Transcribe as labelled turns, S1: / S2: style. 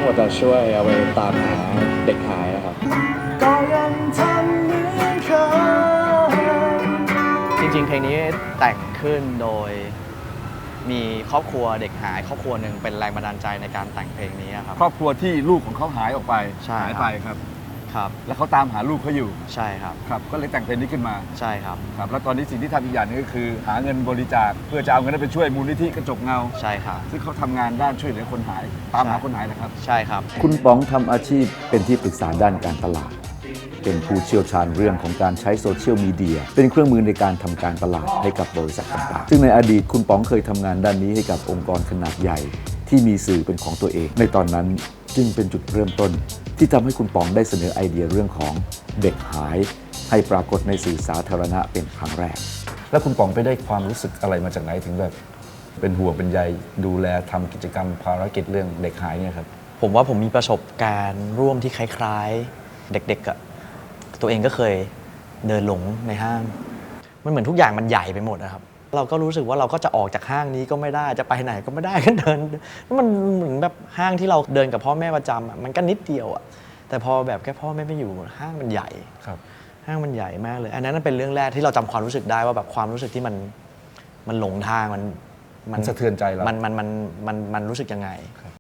S1: งหมดจะช่วยเอาไปตามหาเด็กหายนะครับก็ยังทำเหมือนเคยจริงๆเพลงนี้แต่งขึ้นโดยมีครอบครัวเด็กหายครอบครัวหนึ่งเป็นแรงบันดาลใจในการแต่งเพลงนี้ครับ
S2: ครอบครัวที่ลูกของเขาหายออกไป
S1: ใช่
S2: หายไปครับ
S1: ครับ
S2: แล้วเขาตามหาลูกเขาอยู่
S1: ใช่ครับ
S2: ครับก็เลยแต่งเพลงนี้ขึ้นมา
S1: ใช่ครับ
S2: ครับแล้วตอนนี้สิ่งที่ทำอีกอย่างนึงก็คือหาเงินบริจาคเพื่อจะเอาเงินนั้นไปช่วยมูลนิธิกระจกเงา
S1: ใช่ครับ
S2: ซึ่งเขาทำงานด้านช่วยเหลือคนหายตามหาคนหายนะครับ
S1: ใช่ครับ
S3: คุณป๋องทำอาชีพเป็นที่ปรึกษาด้านการตลาด เป็นผู้เชี่ยวชาญเรื่องของการใช้โซเชียลมีเดียเป็นเครื่องมือในการทำการตลาดให้กับบริษัทต่างๆซึ่งในอดีตคุณป๋องเคยทำงานด้านนี้ให้กับองค์กรขนาดใหญ่ที่มีสื่อเป็นของตัวเอง ในตอนนั้นจึงเป็นจุดเริ่มต้นที่ทำให้คุณป๋องได้เสนอไอเดียเรื่องของเด็กหายให้ปรากฏในสื่อสาธารณะเป็นครั้งแรก
S2: แล้วคุณป๋องไปได้ความรู้สึกอะไรมาจากไหนถึงแบบเป็นห่วงเป็นใยดูแลทำกิจกรรมภารกิจเรื่องเด็กหายเนี่ยครับ
S1: ผมว่าผมมีประสบการณ์ร่วมที่คล้ายๆเด็กๆอะตัวเองก็เคยเดินหลงในห้างมันเหมือนทุกอย่างมันใหญ่ไปหมดนะครับเราก็รู้สึกว่าเราก็จะออกจากห้างนี้ก็ไม่ได้จะไปไหนก็ไม่ได้ก็เดินมันเหมือนแบบห้างที่เราเดินกับพ่อแม่ประจำอะมันก็นิดเดียวอะแต่พอแบบแค่พ่อแม่ไม่อยู่ห้างมันใหญ่
S2: ครับ
S1: ห้างมันใหญ่มากเลยอันนั้นเป็นเรื่องแรกที่เราจำความรู้สึกได้ว่าแบบความรู้สึกที่มันหลงทาง
S2: มันสะเทือนใจเรา
S1: มันรู้สึกยังไง